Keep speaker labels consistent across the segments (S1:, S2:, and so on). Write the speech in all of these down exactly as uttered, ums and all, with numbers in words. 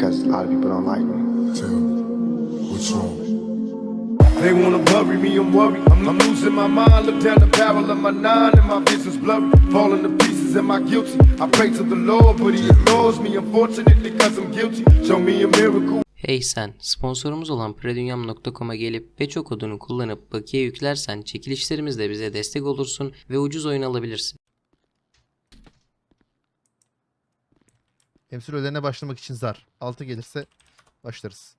S1: because a lot of people don't like me.
S2: Tell me, what's wrong?
S3: They wanna bury me, I'm worried. I'm, I'm losing my mind. Look down the barrel of my nine and my vision's blurry. Falling to pieces, am I guilty? I pray to the Lord, but he ignores me, unfortunately, cause I'm guilty. Show me a miracle.
S4: Hey sen, sponsorumuz olan predunyam nokta com'a gelip Beço kodunu kullanıp bakiye yüklersen çekilişlerimizle bize destek olursun ve ucuz oyun alabilirsin.
S5: Temsil ödeneğine başlamak için zar. altı gelirse başlarız.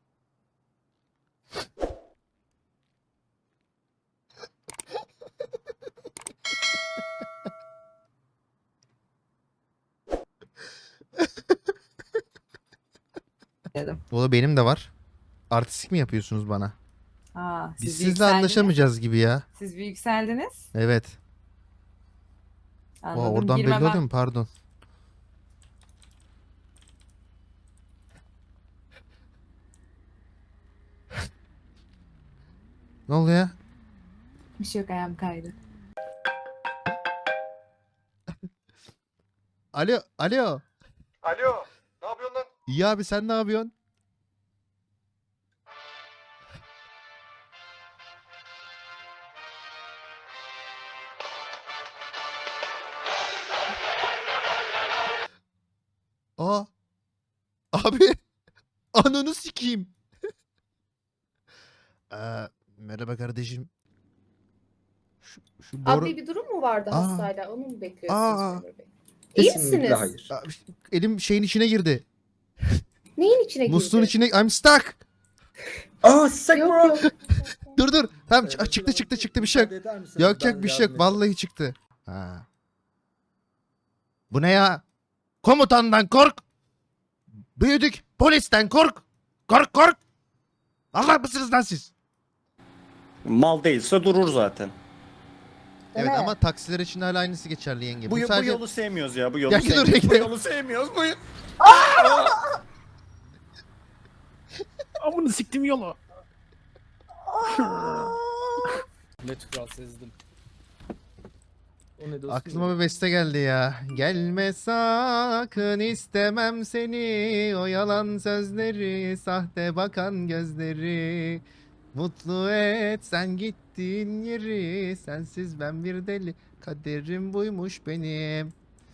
S6: Dedim.
S5: Valla benim de var. Artistik mi yapıyorsunuz bana?
S6: Aa, siz
S5: Biz
S6: bir
S5: sizle
S6: yükseldiniz.
S5: anlaşamayacağız gibi ya.
S6: Siz bir yükseldiniz.
S5: Evet.
S6: Anladım.
S5: Aa, oradan belli
S6: Girmemem-
S5: oluyor mu? Pardon. Ne oluyor?
S6: Bir şey yok, ayağım kaydı.
S5: Alo, alo.
S7: Alo, ne yapıyorsun lan?
S5: İyi abi, sen ne yapıyorsun? Aa. Abi. Ananı sikeyim. Ee, merhaba kardeşim. Şu, şu boru...
S8: Abi bir durum mu vardı
S5: Aa.
S8: hastayla? Onu mu bekliyorsunuz
S5: Aa.
S8: Memur Bey? İyi
S7: Kesinlikle
S8: misiniz?
S7: hayır.
S5: Aa, elim şeyin içine girdi.
S8: Neyin içine girdi?
S5: Musluğun içine... I'm stuck.
S7: Aa sick
S8: Yok
S7: bro.
S8: yok.
S5: Dur dur. Tamam
S7: Ee,
S5: ç- çıktı
S7: biraz
S5: çıktı çıktı bir şey yok.
S7: müsaade eder misiniz?
S5: Yok
S7: Ben
S5: yok bir şey
S7: yardım
S5: yok. Vallahi çıktı. Ha. Bu ne ya? Komutandan kork. Büyüdük. Polisten kork. Kork kork. Allah mısınız lan siz?
S7: edeyim. Mal değilse durur zaten.
S5: Evet ama taksiler için hala aynısı geçerli yenge.
S7: Bu,
S5: Bu,
S7: bu
S5: sadece...
S7: yolu sevmiyoruz ya. Bu yolu
S5: Ya git oraya
S7: sevmiyoruz. Bu
S5: gidelim.
S7: yolu sevmiyoruz. Bu
S9: Amını siktim yolu.
S10: Ne tükür sezdim. O ne dostum?
S5: Aklıma bir beste geldi ya. Gelme sakın istemem seni. O yalan sözleri, sahte bakan gözleri. Mutlu et sen gittiğin yeri. Sensiz ben bir deli. Kaderim buymuş benim.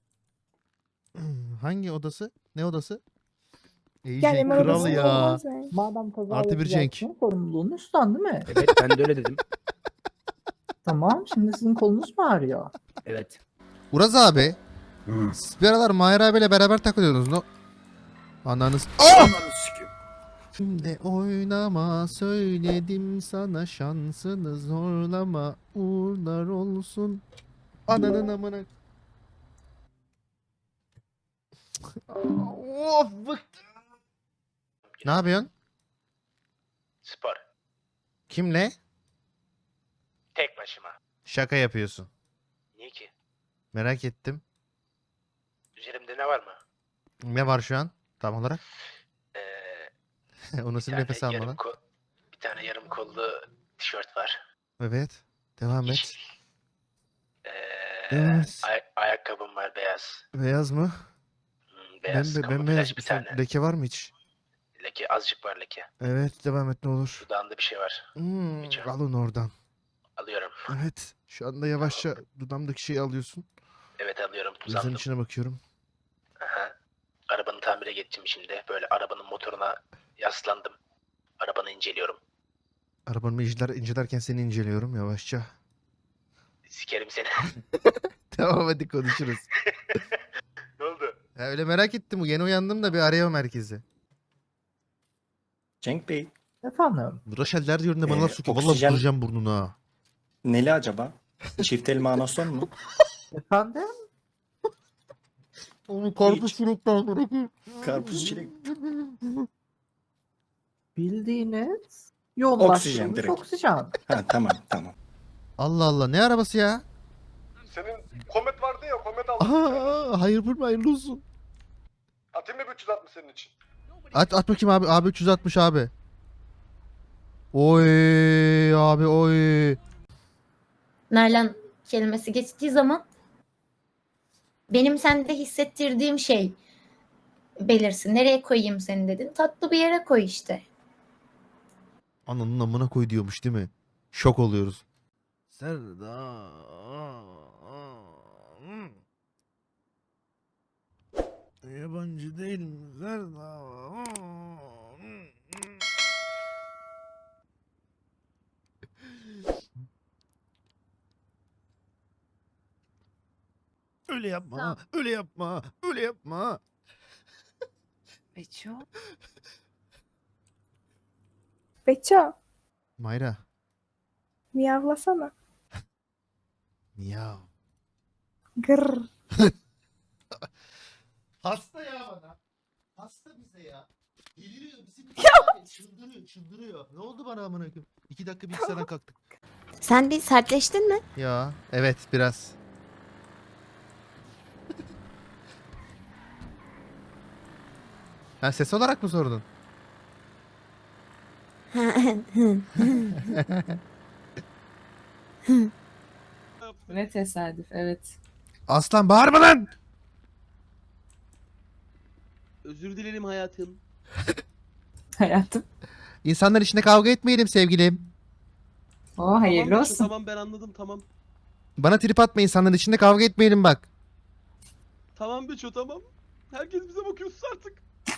S5: Hangi odası? Ne odası? Ejin kral ya.
S11: Madem kaza
S5: Artı bir Cenk.
S11: yapacaksın, sorumluluğunu üstlen değil mi?
S10: Evet ben de öyle dedim.
S11: Tamam, şimdi sizin kolunuz mu ağrıyor?
S10: Evet.
S5: Uraz abi. Siz bir aralar Mahir abiyle beraber takılıyordunuz. No? Ananız. Oh! Şimdi oynama söyledim sana şansını zorlama uğurlar olsun. Ananın amına. Of bıktım. Ne yapıyorsun?
S12: Spor.
S5: Kimle?
S12: Tek başıma.
S5: Şaka yapıyorsun.
S12: Niye ki?
S5: Merak ettim.
S12: Üzerimde ne var mı?
S5: Ne var şu an tam olarak?
S12: Ee,
S5: O
S12: bir
S5: nasıl
S12: tane
S5: nefes alma
S12: yarım
S5: lan?
S12: ko- bir tane yarım kollu tişört var.
S5: Evet. Devam et.
S12: Yeşil. Ee,
S5: Evet.
S12: ay- ayakkabım var beyaz.
S5: Beyaz mı?
S12: Hmm, beyaz.
S5: Ben, ben
S12: kamuflaj
S5: beyaz.
S12: bir
S5: Sen-
S12: tane.
S5: Leke var mı hiç?
S12: Leke azıcık var leke.
S5: Evet devam et ne olur.
S12: Dudağında bir şey var.
S5: Hmm,
S12: Hiç yok.
S5: al onu oradan.
S12: Alıyorum.
S5: Evet. Şu anda yavaşça dudamdaki şeyi alıyorsun.
S12: Evet alıyorum.
S5: Gözlerin
S12: Uzandım.
S5: içine bakıyorum.
S12: Aha. Arabanı tamire geçtim şimdi. Böyle arabanın motoruna yaslandım. Arabanı inceliyorum.
S5: Arabanı inceler, incelerken seni inceliyorum yavaşça.
S12: Sikerim seni.
S5: Tamam hadi konuşuruz.
S12: Ne oldu?
S5: Ya öyle merak ettim. Yeni uyandım da bir arayama merkezi.
S7: Cenk Bey,
S11: Efendim?
S5: Raşeller diyorum da bana
S7: Ee,
S5: laf sokuyor. Valla
S7: oksijen-
S5: vuracağım burnuna.
S7: neli acaba? Çift elma anason mu?
S11: Efendim?
S5: Onu karpuz
S7: Hiç.
S5: çilekten bırakayım.
S7: Karpuz çilek.
S11: Bildiğiniz yoğunlaştırılmış
S7: Oksijen direkt.
S11: oksijen.
S7: Ha tamam tamam.
S5: Allah Allah ne arabası ya?
S7: Senin komet vardı ya, komet aldım.
S5: Aha, hayır vurma hayırlı olsun.
S7: Atayım mı üç yüz altmış senin için?
S5: At, at bakayım abi. Abi üç yüz altmış abi. Oy abi oy.
S8: Nalan kelimesi geçtiği zaman benim sende hissettirdiğim şey belirsin. Nereye koyayım seni dedin. Tatlı bir yere koy işte.
S5: Ananın amına koy diyormuş değil mi? Şok oluyoruz. Serda. Yabancı değil mi Serda? Öyle yapma,
S8: Tamam.
S5: öyle yapma, öyle yapma.
S6: Beço.
S1: Beço,
S5: Mayra,
S1: miyavlasana.
S5: miyav.
S1: Gırr.
S5: Hasta ya bana. Hasta bize ya. Deliriyor bizim. Çıldırıyor, çıldırıyor. Ne oldu bana amına koyayım? İki dakika bilgisayardan kalktık.
S8: Sen bir sertleştin mi?
S5: Ya evet biraz. Ha ses olarak mı sordun?
S6: Ne tesadüf, evet.
S5: Aslan bağırma lan!
S10: Özür dilerim hayatım.
S6: Hayatım.
S5: İnsanlar içinde kavga etmeyelim sevgilim.
S6: O hayırlı
S10: Tamam,
S6: olsun.
S10: Tamam ben anladım tamam.
S5: Bana trip atma, insanların içinde kavga etmeyelim bak.
S10: Tamam Beço tamam. Herkes bize bakıyor sus artık.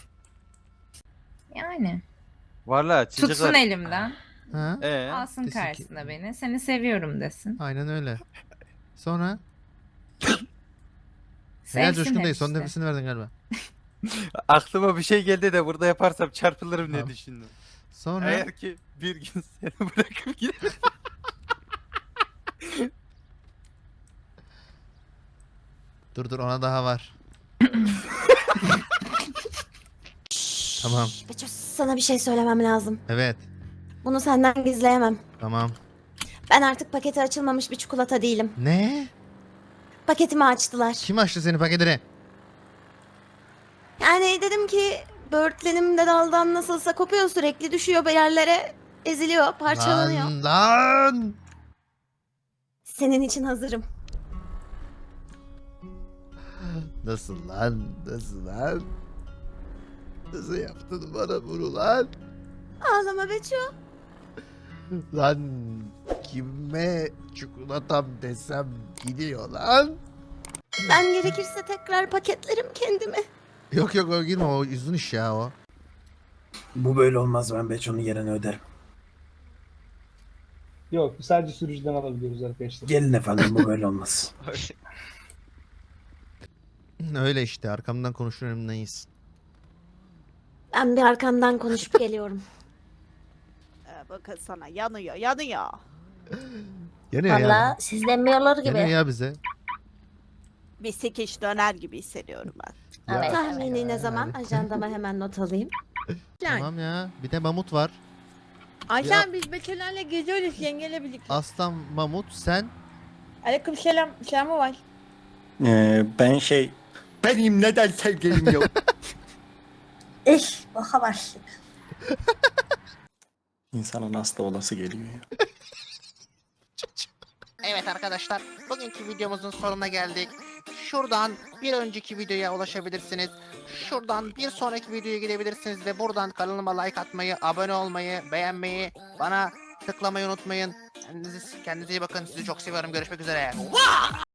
S6: Yani.
S2: Valla
S6: Tutsun elimden.
S5: Ha?
S2: Ee?
S6: Alsın
S5: desin ki-
S6: karşısına beni. Seni seviyorum desin.
S5: Aynen öyle. Sonra?
S6: Sevsin
S5: Helal Coşkun
S6: hep
S5: dayı, son
S6: işte.
S5: nefesini verdin galiba.
S2: Aklıma bir şey geldi de burada yaparsam çarpılırım diye
S5: Tamam.
S2: düşündüm.
S5: Sonra?
S2: Eğer ki bir gün seni bırakıp gidersem.
S5: Dur dur, ona daha var. Tamam.
S8: Beço, sana bir şey söylemem lazım.
S5: Evet.
S8: Bunu senden gizleyemem.
S5: Tamam.
S8: Ben artık paketi açılmamış bir çikolata değilim.
S5: Ne?
S8: Paketimi açtılar.
S5: Kim açtı senin paketini?
S8: Yani dedim ki böğürtlenim de daldan nasılsa kopuyor, sürekli düşüyor bir yerlere, eziliyor, parçalanıyor.
S5: Lan lan!
S8: Senin için hazırım.
S5: Nasıl lan? Nasıl lan? Nasıl yaptın bana bunu lan?
S8: Ağlama Beço.
S5: Lan kime çikolatam desem gidiyor lan?
S8: Ben gerekirse tekrar paketlerim kendimi.
S5: Yok yok o girme, o uzun iş ya o.
S7: Bu böyle olmaz, ben Beço'nun yerini öderim.
S10: Yok sadece sürücüden alabiliyoruz arkadaşlar.
S7: Gelin efendim, bu böyle olmaz.
S5: Öyle işte, arkamdan konuşur önümdeyiz.
S8: Ben bir arkandan konuşup geliyorum.
S1: Bakın sana yanıyor, yanıyor.
S5: Yanıyor ya.
S8: Valla siz demiyorlar
S5: Yanıyor
S8: gibi.
S5: ya bize.
S1: Bir sekiş döner gibi hissediyorum ben.
S8: Evet.
S5: Ya.
S8: Tahmini ne zaman? Ajandama hemen not alayım.
S5: Tamam ya. Bir de mamut var.
S1: Ayşen biz Beço'larla geziyoruz yengeyle birlikte.
S5: Aslan, mamut, sen.
S1: Aleyküm selam, selamı var.
S7: Ee, ben şey... Benim neden sevgilim yok?
S8: İş, baka başlık.
S7: İnsanın hasta olası geliyor ya.
S9: Evet arkadaşlar, bugünkü videomuzun sonuna geldik. Şuradan bir önceki videoya ulaşabilirsiniz. Şuradan bir sonraki videoya gidebilirsiniz ve buradan kanalıma like atmayı, abone olmayı, beğenmeyi, bana tıklamayı unutmayın. Kendinize, kendinize iyi bakın. Sizi çok seviyorum. Görüşmek üzere.